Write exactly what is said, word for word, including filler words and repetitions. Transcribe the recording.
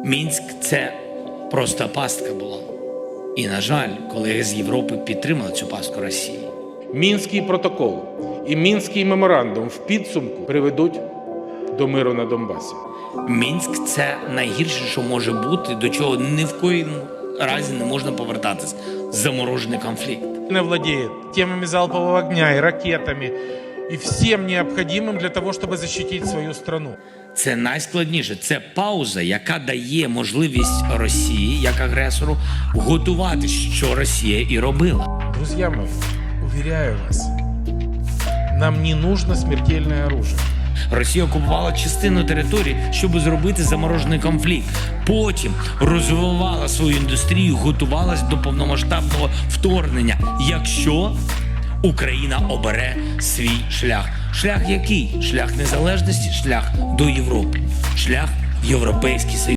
Мінськ – це просто пастка була. І, на жаль, колеги з Європи підтримали цю пастку Росії. Мінський протокол і Мінський меморандум в підсумку приведуть до миру на Донбасі. Мінськ – це найгірше, що може бути, до чого ні в коїм разі не можна повертатись. Заморожений конфлікт. Не владеет темами залпового огня и ракетами, и всем необходимым для того, чтобы защитить свою страну. Це найскладніше. Це пауза, яка дає можливість Росії, як агресору, готуватись, що Росія і робила. Друзья мои, уверяю вас, нам не нужно смертельное оружие. Росія окупувала частину території, щоб зробити заморожений конфлікт. Потім розвивала свою індустрію, готувалась до повномасштабного вторгнення, якщо Україна обере свій шлях. Шлях який? Шлях незалежності, шлях до Європи, шлях в Європейський Союз.